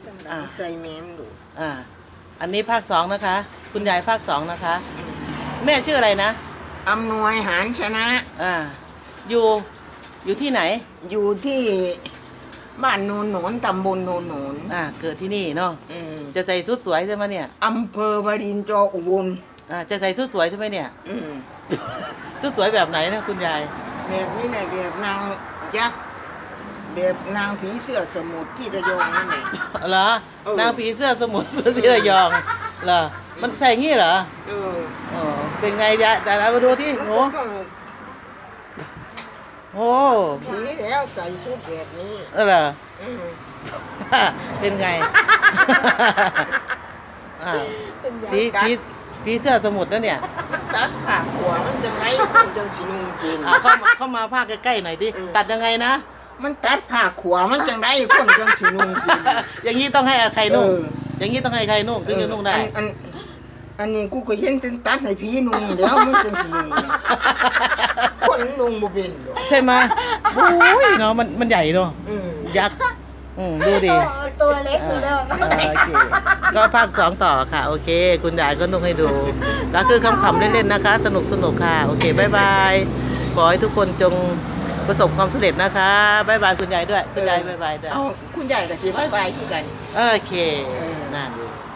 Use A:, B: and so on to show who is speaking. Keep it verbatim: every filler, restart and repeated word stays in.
A: จังดังใส่แม่มดู
B: อ่า อันนี้ภาคสองนะคะ คุณยายภาคสองนะคะ แม่ชื่ออะไรนะ
A: อำนวยหารชนะ
B: อ่า อยู่ อยู่ที่ไหน
A: อยู่ที่บ้านโนนโหนนตำบลโนนโหนน
B: อ่า เกิดที่นี่เนาะ
A: อืม
B: จะใส่ชุดสวยใช่ไหมเนี่ย
A: อำเภอวารินจออุบล
B: อ่า จะใส่ชุดสวยใช่ไหมเนี่ย
A: อืม
B: ชุดสวยแบบไหนนะคุณยาย
A: แบบนี้แหละแบบนางยักษ์แบบนางผีเสื้อสมุทรที่ระยองนั่นแหละ
B: เหรอ
A: เออ
B: นางผีเสื้อสมุทรที่ระยอง เหรอ มันใส่งี้เหรอ
A: เออ
B: อ๋อ เป็นไงยายแต่เรามาดูที่หนู
A: มันก็ต้อง
B: โอ้
A: ผีแล้วใส่ชุดแบบนี้
B: เออเหรอ
A: อืม
B: เป็นไง อ่าผีผีผีเสื้อสมุทรแล้วเนี่ย
A: ตัดผ่าหัวมันจังไรคนจังสินุงกิน
B: อ่าเข้ามาเข้ามาภาคใกล้ๆหน่อยดิ
A: อืม
B: ตัดยังไงนะ
A: มันตัดผ่าขวามันจังไรคนจังสินุงกิน
B: อย่างนี้ต้องให้ใครนุ่ง
A: เออ
B: อย่างนี้ต้องให้ใครนุ่งถึงจะนุ่งได้
A: อัอันอันนี้กูก็เห็นเป็นตัดให้ผีนุ่งแล้วมันจังสินุ่งนะคนนุ่งบ่เป็นหรอก
B: ใช่ไหมโอ้ยเนาะมันมันใหญ่เนาะ
A: อืม
B: ยักษ์อืมดูดิ
C: ตัวเล็กอยู่แล้ว
B: อ่าโอเค ก็ภาคสองต่อค่ะ โอเค คุณยายก็นุ่งให้ดู ก็คือคำๆเล่นๆนะคะ สนุกสนุกค่ะ โอเคบายบาย ขอให้ทุกคนจงประสบความสำเร็จนะคะบายบายคุณยายด้วย คุณยายบายบายด้วย
A: เอาคุณใหญ่กับจีบายบายที่กัน
B: โอเค นั่นเลย